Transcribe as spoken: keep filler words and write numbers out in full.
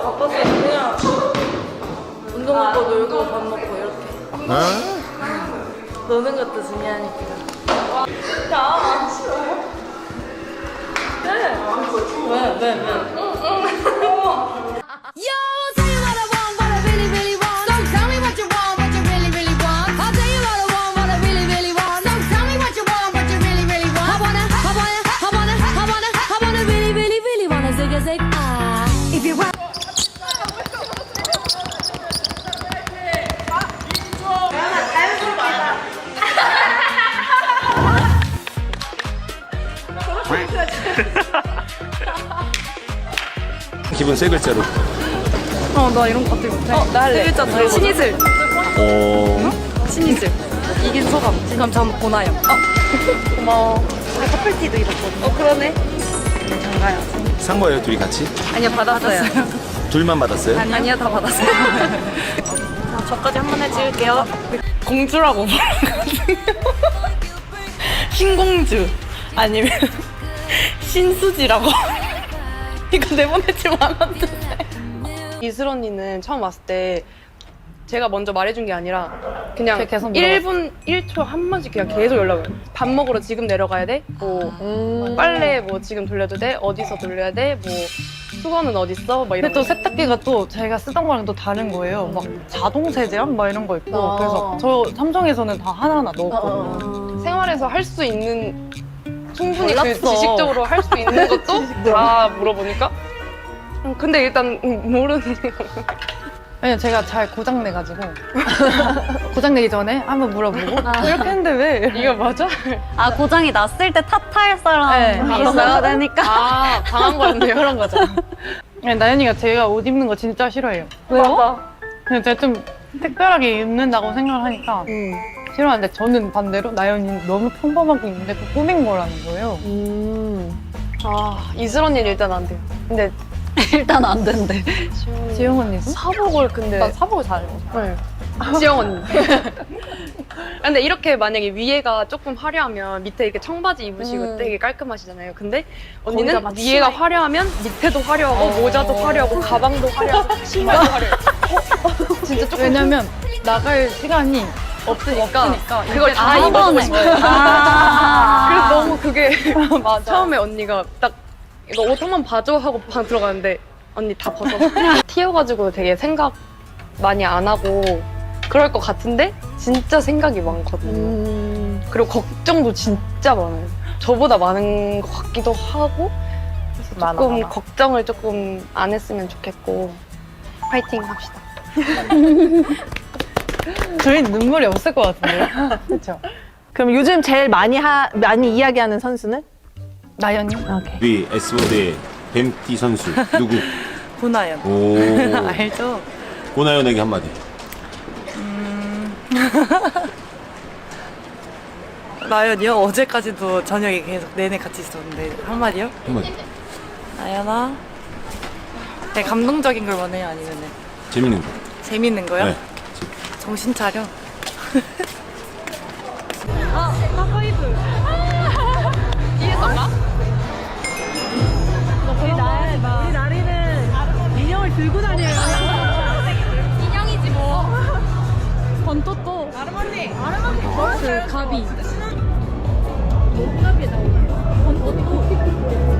바빴어요. 그냥 운동하고 놀고 밥 먹고 이렇게. 노는 것도 중요하니까. 야. 네. 왜? 왜? 왜? Yo, tell you what I want, what I really, really want. So tell me what you want, what you really, really want. I'll tell you what I want, what I really, really want. So tell me what you want, what you really, really want. I wanna, I wanna, I wanna, I wanna, I wanna really, really, really wanna zig a zig ah. If you want. 기분 세 글자로. 어, 나 이런 거 갑자기 못해. 어, 나 할래. 세 글자 더 신이슬. 어. 신이슬. 이긴 소감. 그럼 전 보나요. 어. 고마워. 우리 커플티도 입었거든요. 어, 그러네. 장가요. 산 거예요, 둘이 같이? 아니요, 받았어요. 둘만 받았어요? 아니, 아니요, 다 받았어요. 자, 저까지 한 번 해찍을게요. 공주라고 말하거든요. 신공주. 아니면 신수지라고. 이거 내보내지만 않았는데. 이슬 언니는 처음 왔을 때 제가 먼저 말해준 게 아니라 그냥 계속 일 분 일 초 한 번씩 그냥 계속 연락을 해요. 밥 먹으러 지금 내려가야 돼? 뭐 음. 빨래 뭐 지금 돌려도 돼? 어디서 돌려야 돼? 뭐 수건은 어딨어? 막 이런 근데 또 거. 세탁기가 또 제가 쓰던 거랑 또 다른 거예요. 막 자동 세제약 막 이런 거 있고. 아. 그래서 저 삼성에서는 다 하나하나 넣었거든요. 생활에서 할 수 있는 충분히 그 몰랐어. 지식적으로 할 수 있는 것도 다 물어보니까 음, 근데 일단 음, 모르는 왜냐면 제가 잘 고장 내가지고 고장 내기 전에 한번 물어보고 이렇게 했는데 왜? 이거 맞아? 아 고장이 났을 때 탓할 사람 네. 있어야 되니까. 아 당한 거였네요. 그런 거죠. 네, 나연이가 제가 옷 입는 거 진짜 싫어해요. 왜요? 근데 제가 좀 특별하게 입는다고 생각을 하니까 음. 싫어하는데 저는 반대로 나연이는 너무 평범하게 입는데 그 꾸민 거라는 거예요. 아 이슬 언니는 일단 안 돼요. 근데 일단 안 된대. 지영 언니도? 사복을 근데 나 사복을 잘 입어. 네. 지영 언니. 근데 이렇게 만약에 위에가 조금 화려하면 밑에 이렇게 청바지 입으시고 음. 되게 깔끔하시잖아요. 근데 언니는 거기다 막 위에가 치마 화려하면 밑에도 화려하고 어. 모자도 화려하고 가방도 화려하고 신발도 화려해. 진짜 조금 왜냐면 나갈 시간이 없으니까, 없으니까 그걸 다 한 입어보고 번에. 싶어요. 아. 그래서 너무 그게 맞아. 처음에 언니가 딱 이거 옷 한 번 봐줘 하고 방 들어가는데 언니 다 벗어. 튀어가지고 되게 생각 많이 안 하고 그럴 것 같은데 진짜 생각이 많거든요. 그리고 걱정도 진짜 많아요. 저보다 많은 것 같기도 하고 그래서 많아, 조금 많아. 걱정을 조금 안 했으면 좋겠고 파이팅 합시다. 저희 눈물이 없을 것 같은데요? 그렇죠? 그럼 요즘 제일 많이 하, 많이 이야기하는 선수는? 나연이? 우리 에스보드의 뱀띠 선수 누구? 보나요. 오. 알죠? 고나연에게 한마디. 나연이요? 어제까지도 저녁에 계속 내내 같이 있었는데 한마디요? 한마디. 나연아. 네, 감동적인 걸 원해요? 아니면 재밌는 거. 재밌는 거요? 네. 정신 차려. 인형이지 뭐. 번또또. 아르마니. 아르마니. 그 가비. 뭐